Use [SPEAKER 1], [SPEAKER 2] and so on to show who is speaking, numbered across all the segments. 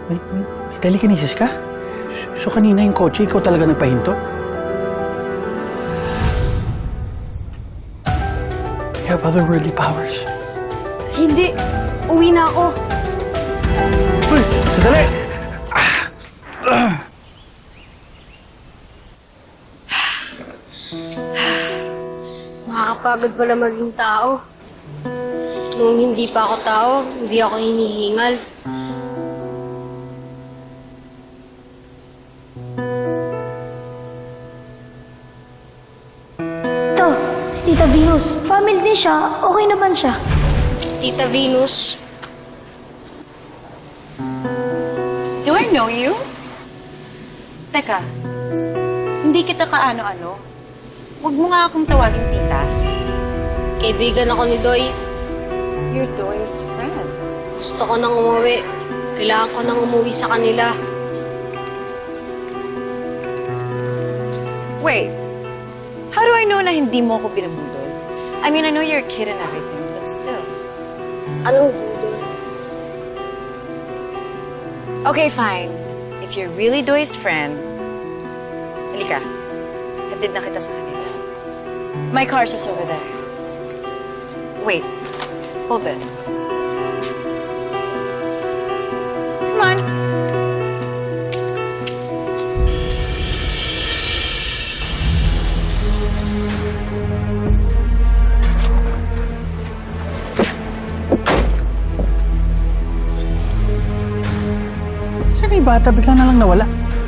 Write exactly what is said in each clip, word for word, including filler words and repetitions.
[SPEAKER 1] May, may, may telekinesis ka? So kanina yung kotse, ikaw talaga nagpahinto? You have otherworldly powers.
[SPEAKER 2] Hindi. Uwi na ako.
[SPEAKER 1] Uy, sandali!
[SPEAKER 2] Nakakapagod pala maging tao. Nung hindi pa ako tao, hindi ako hinihingal.
[SPEAKER 3] Ito, si Tita Venus. Family din siya. Okay naman siya.
[SPEAKER 2] Tita Venus,
[SPEAKER 4] Do I know you? Teka, hindi kita kaano-ano. Huwag mo nga akong tawagin tita.
[SPEAKER 2] kaibigan ako ni Doy.
[SPEAKER 4] You're Doy's friend.
[SPEAKER 2] Gusto ko nang umuwi. Kailangan ko nang umuwi sa kanila.
[SPEAKER 4] Wait, how do I know na hindi mo ako binabudol? I mean, I know you're a kid and everything, but still.
[SPEAKER 2] Anong budol?
[SPEAKER 4] Okay, fine. If you're really Doy's friend, halika. Hatid na kita sa kanila. My car's just over there. Wait, hold this. Come on.
[SPEAKER 1] Saan yung bata? Bigla na lang nawala.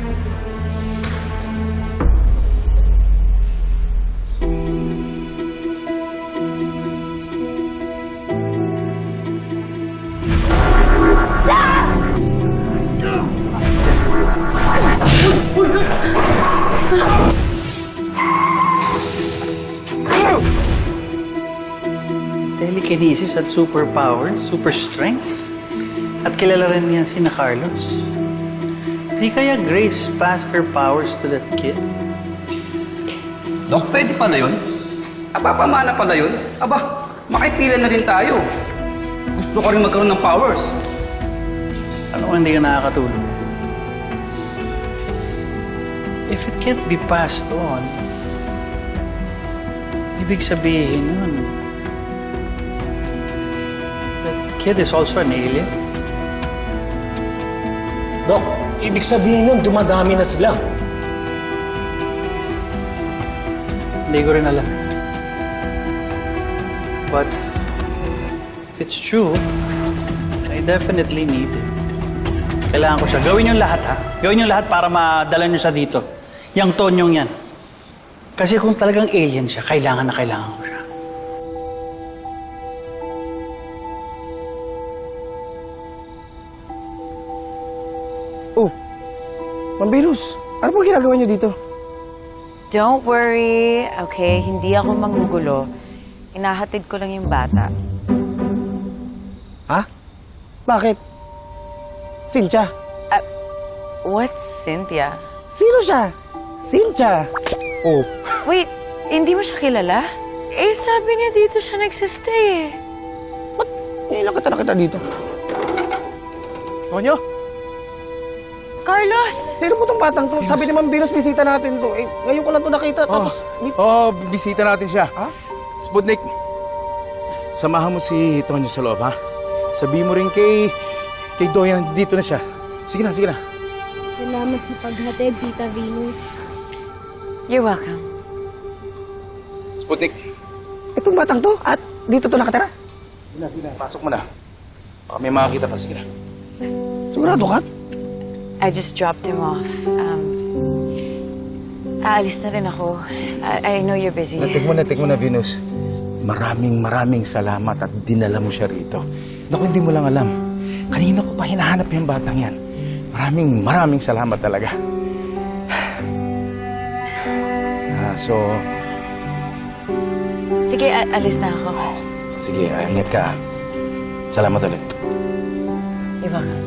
[SPEAKER 1] Telekinesis at superpower, super strength. At kilala rin niya si na Carlos. Di kaya Grace passed her powers to that kid?
[SPEAKER 5] Dok, pwede pala yun? Aba, pamana pala yun? Aba, makipila na rin tayo. Gusto ko rin magkaroon ng powers.
[SPEAKER 1] Ano kung hindi ka nakakatulong? If it can't be passed on, ibig sabihin nun, that kid is also an alien?
[SPEAKER 6] Dok, ibig sabihin nun, dumadami na sila.
[SPEAKER 1] Hindi ko rin alam. But, if it's true, I definitely need it. Kailangan ko siya. Gawin yung lahat, ha? Gawin yung lahat para madala niyo siya dito. Yang tonyong yan. Kasi kung talagang alien siya, kailangan na kailangan ko siya.
[SPEAKER 7] Oh, Mambilus, ano po ginagawa niyo dito?
[SPEAKER 4] Don't worry, okay? Hindi ako manggugulo. Inahatid ko lang yung bata.
[SPEAKER 7] Ha? Bakit? Cynthia.
[SPEAKER 4] Uh, what's Cynthia?
[SPEAKER 7] Sino siya? Cynthia. Oh.
[SPEAKER 4] Wait, hindi mo siya kilala? Eh, sabi niya dito siya nagsistay eh.
[SPEAKER 7] Ba't ngayon kita nakita dito? Sonyo?
[SPEAKER 4] Carlos!
[SPEAKER 7] Sino po tong batang to? Sabi ni Mambilus, bisita natin to. Eh, ngayon ko lang to nakita. Tapos, dito.
[SPEAKER 6] Oo, oh, bisita natin siya.
[SPEAKER 7] Ha?
[SPEAKER 6] Sputnik, samahan mo si Tonyo sa loob, ha? Sabihin mo rin kay... kay Doyan, dito na siya. Sige na, sige na.
[SPEAKER 3] Salamat sa paghatid, Tita Venus.
[SPEAKER 4] You're welcome.
[SPEAKER 6] Sputnik.
[SPEAKER 7] Itong batang to? At dito to nakatira?
[SPEAKER 6] Sige na, sige na. Pasok mo na. Baka may makakita pa, sige na.
[SPEAKER 7] Sigurado ka?
[SPEAKER 4] I just dropped him off. Um, aalis na rin ako. I, I know you're busy.
[SPEAKER 6] Natik mo, natik mo na, Venus. Maraming maraming salamat at dinala mo siya rito. Naku, hindi mo lang alam. Kanina ko pa hinahanap yung batang yan. Maraming maraming salamat talaga. Ah, so...
[SPEAKER 4] Sige, a- alis na ako.
[SPEAKER 6] Sige, ah, ingat ka. ah. Salamat ulit.
[SPEAKER 4] You're welcome.